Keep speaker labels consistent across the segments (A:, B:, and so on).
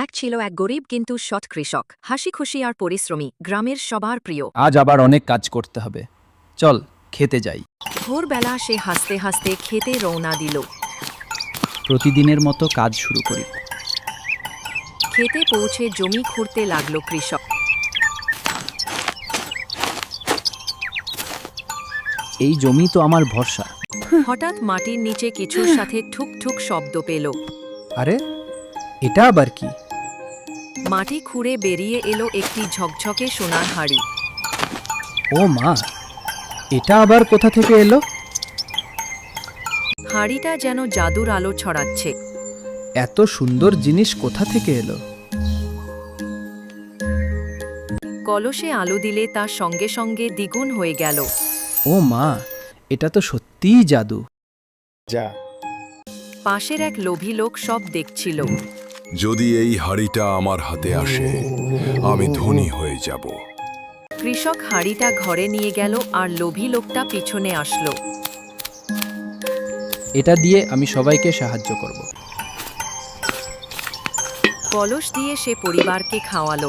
A: এক ছিল এক গরিব কিন্তু সৎ কৃষক, হাসি খুশি আর পরিশ্রমী, গ্রামের সবার প্রিয়।
B: আজ আবার অনেক কাজ করতে হবে, চল খেতে যাই।
A: ভোরবেলা সে হাসতে হাসতে খেতে রওনা দিল।
B: প্রতিদিনের মতো কাজ শুরু করি।
A: খেতে পৌঁছে জমি খুঁড়তে লাগলো কৃষক।
B: এই জমি তো আমার ভরসা।
A: হঠাৎ মাটির নিচে কিছুর সাথে ঠুক ঠুক শব্দ পেল।
B: আরে এটা আবার কি?
A: মাটি খুঁড়ে বেরিয়ে এলো একটি ঝকঝকে সোনার হাড়ি।
B: ও মা, এটা আবার কোথা থেকে এলো?
A: হাড়িটা যেন জাদুর আলো ছড়াচ্ছে।
B: এত সুন্দর জিনিস কোথা থেকে এলো?
A: কলসে আলো দিলে তা সঙ্গে সঙ্গে দ্বিগুণ হয়ে গেল।
B: ও মা, এটা তো সত্যিই জাদু।
C: যা,
A: পাশের এক লোভী লোক সব দেখছিল।
D: যদি এই হাড়িটা আমার হাতে আসে, আমি ধনী হয়ে যাব।
A: কৃষক হাড়িটা ঘরে নিয়ে গেল আর লোভী লোকটা পিছনে আসলো।
B: এটা দিয়ে আমি সবাইকে সাহায্য করব।
A: কলস দিয়ে সে পরিবারকে খাওয়ালো।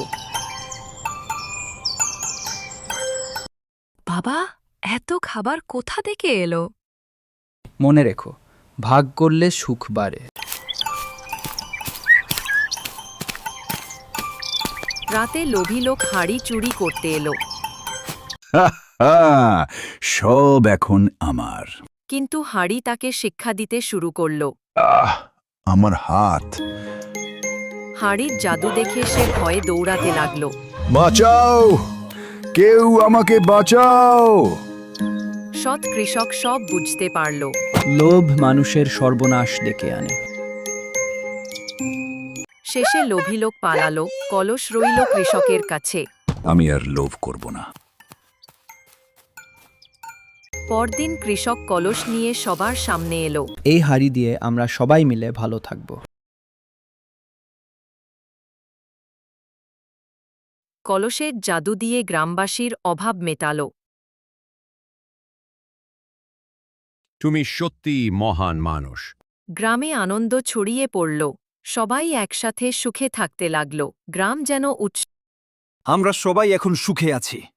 A: বাবা, এত খাবার কোথা থেকে এলো?
B: মনে রেখো, ভাগ করলে সুখ বাড়ে।
A: রাতে লোভী লোক হাড়ি চুরি করতে এলো।
E: সব এখন আমার।
A: কিন্তু হাড়ি তাকে শিক্ষা দিতে শুরু করলো।
E: আমার হাত।
A: হাড়ির জাদু দেখে সে ভয়ে দৌড়াতে লাগলো।
E: বাঁচাও, কেউ আমাকে বাঁচাও।
A: সৎ কৃষক সব বুঝতে পারল।
B: লোভ মানুষের সর্বনাশ ডেকে আনে।
A: শেষে লোভী লোক পালালো, কলস রইল কৃষকের কাছে।
E: আমি আর লোভ করব না।
A: পরদিন কৃষক কলস নিয়ে সবার সামনে এলো।
B: এই হাড়ি দিয়ে আমরা সবাই মিলে ভালো থাকব।
A: কলসের জাদু দিয়ে গ্রামবাসীর অভাব মেটালো।
D: তুমি সত্যি মহান মানুষ।
A: গ্রামে আনন্দ ছড়িয়ে পড়ল। সবাই একসাথে সুখে থাকতে লাগল। গ্রাম যেন
F: আমরা সবাই এখন সুখে আছি।